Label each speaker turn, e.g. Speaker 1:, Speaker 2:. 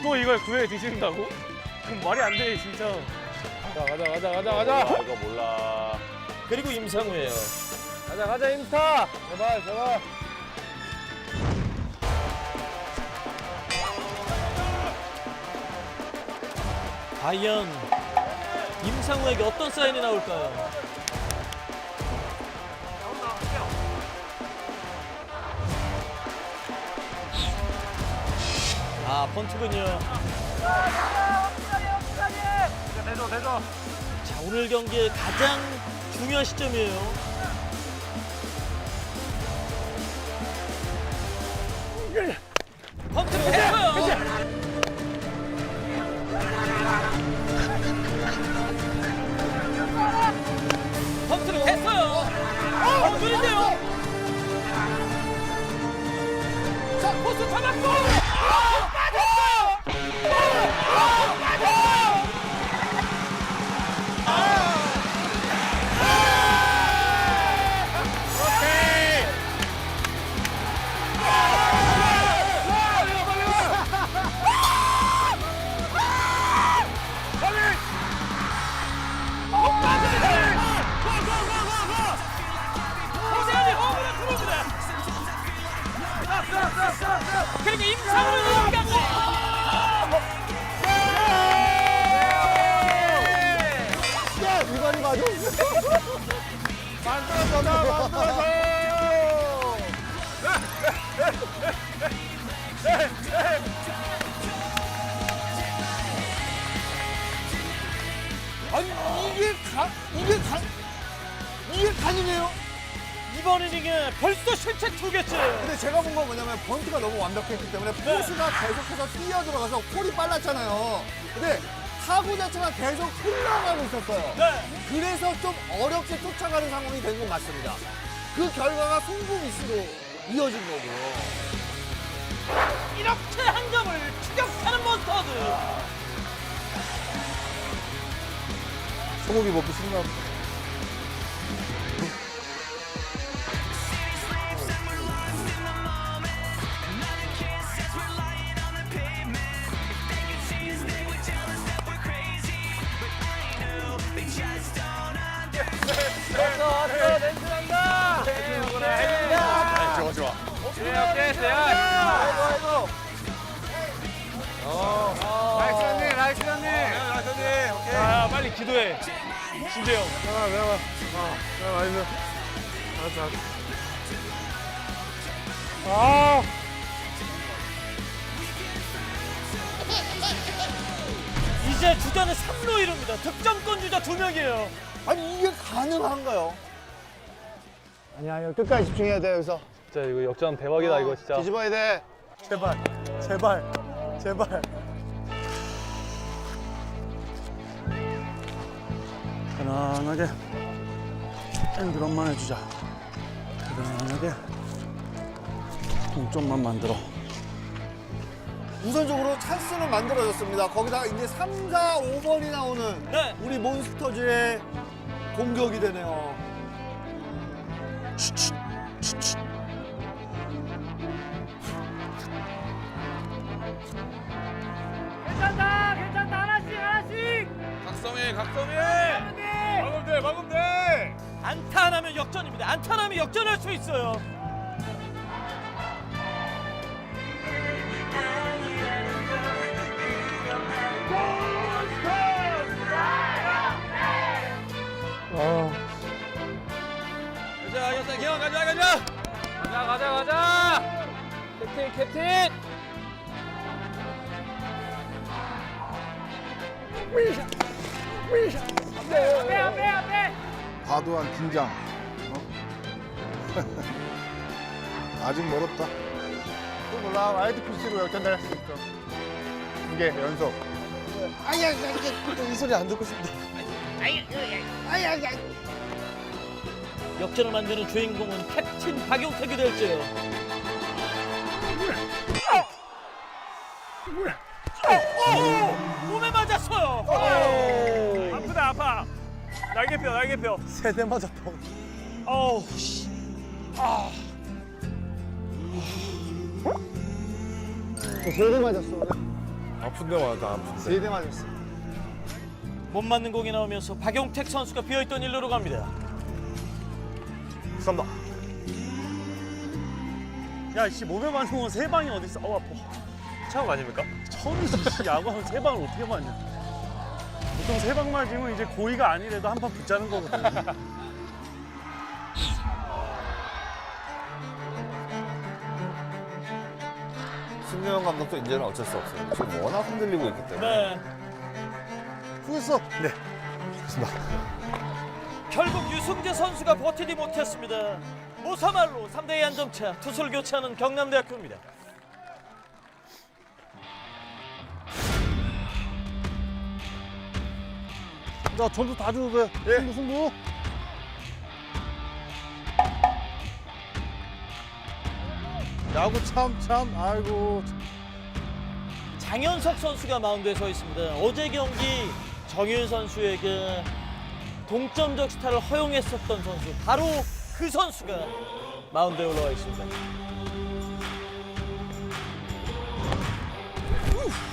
Speaker 1: 또 이걸 구해 드신다고? 그럼 말이 안 돼, 진짜. 자, 가자.
Speaker 2: 이거 몰라.
Speaker 3: 그리고 임상우예요.
Speaker 1: 가자, 임스타. 제발.
Speaker 3: 과연 임상우에게 어떤 사인이 나올까요? 아, 번트군요.
Speaker 1: 대줘.
Speaker 3: 자, 오늘 경기의 가장 중요한 시점이에요. 번트를 했어요. 번트를 했어요. 번트인데요. 자, 포스 잡았고. 빠졌어요. 빠졌어요. 그리고 임상우를 이기고
Speaker 4: 이관이 맞아. 만들어서. 아니 이게 가능해요?
Speaker 3: 이번 이닝에 벌써 실책 2개째.
Speaker 4: 근데 제가 본 건 뭐냐면 번트가 너무 완벽했기 때문에 포수가 계속해서 뛰어 들어가서 콜이 빨랐잖아요. 근데 타구 자체가 계속 흘러가고 있었어요.
Speaker 3: 네.
Speaker 4: 그래서 좀 어렵게 쫓아가는 상황이 된 건 맞습니다. 그 결과가 송구 미스로 이어진 거고요.
Speaker 3: 이렇게 한 점을 추격하는 몬스터즈.
Speaker 4: 소고기 먹고 싶나?
Speaker 1: 왔어, 렌즈 난다.
Speaker 2: 좋아.
Speaker 1: 오케이, 아이고. 나이스 언니. 오케이. 자, 빨리 기도해. 신재영. 내가. 알았어.
Speaker 3: 이제 주자는 3루 이룹니다. 득점권 주자 2명이에요.
Speaker 4: 아니 이게 가능한가요? 아니야 끝까지 집중해야 돼 여기서.
Speaker 1: 진짜 이거 역전 대박이다, 이거 진짜.
Speaker 4: 뒤집어야 돼. 제발. 편안하게 엔드런만 해주자. 편안하게 동점만 만들어. 우선적으로 찬스는 만들어졌습니다. 거기다가 이제 3, 4, 5번이 나오는
Speaker 3: 네.
Speaker 4: 우리 몬스터즈의 공격이 되네요.
Speaker 1: 괜찮다. 하나씩. 각성해. 막으면 돼.
Speaker 3: 안타 안 하면 역전입니다. 안타 안 하면 역전할 수 있어요. 가자, 기영 가자.
Speaker 1: 가자. 캡틴. 앞에.
Speaker 5: 과도한 긴장. 아직 멀었다.
Speaker 4: 또 몰라. 와이드 피치로 역전될 수 있어. 2개 연속.
Speaker 5: 이 소리 안 듣고 싶다.
Speaker 3: 역전을 만드는 주인공은 캡틴 박용택이 될지요. 몸에 맞았어요.
Speaker 1: 아파. 날개뼈.
Speaker 4: 세대 맞았다.
Speaker 3: 어우, 씨.
Speaker 4: 세대 맞았어.
Speaker 5: 아픈데 맞아, 아픈데.
Speaker 4: 3대 맞았어.
Speaker 3: 못 맞는 공이 나오면서 박용택 선수가 비어있던 일루로 갑니다.
Speaker 1: 쏜다. 야, 씨 몸에 맞는 건 세 방이 어디 있어? 아파. 처음 아닙니까? 처음이지. 야구하면 세 방을 어떻게 맞냐? 보통 세 방 맞으면 이제 고의가 아니래도 한 판 붙자는 거거든.
Speaker 2: 신명훈 감독도 이제는 어쩔 수 없어요. 지금 워낙 흔들리고 있기 때문에.
Speaker 3: 네.
Speaker 5: 수고했어.
Speaker 3: 결국 유승재 선수가 버티지 못했습니다. 무사말로 3대2 한 점차 투수를 교체하는 경남대학교입니다.
Speaker 5: 나 전투 다 줘도 돼. 승부, 승부. 야구 참, 아이고.
Speaker 3: 장현석 선수가 마운드에 서 있습니다. 어제 경기 정윤 선수에게 동점적 스타를 허용했었던 선수, 바로 그 선수가 마운드에 올라와 있습니다.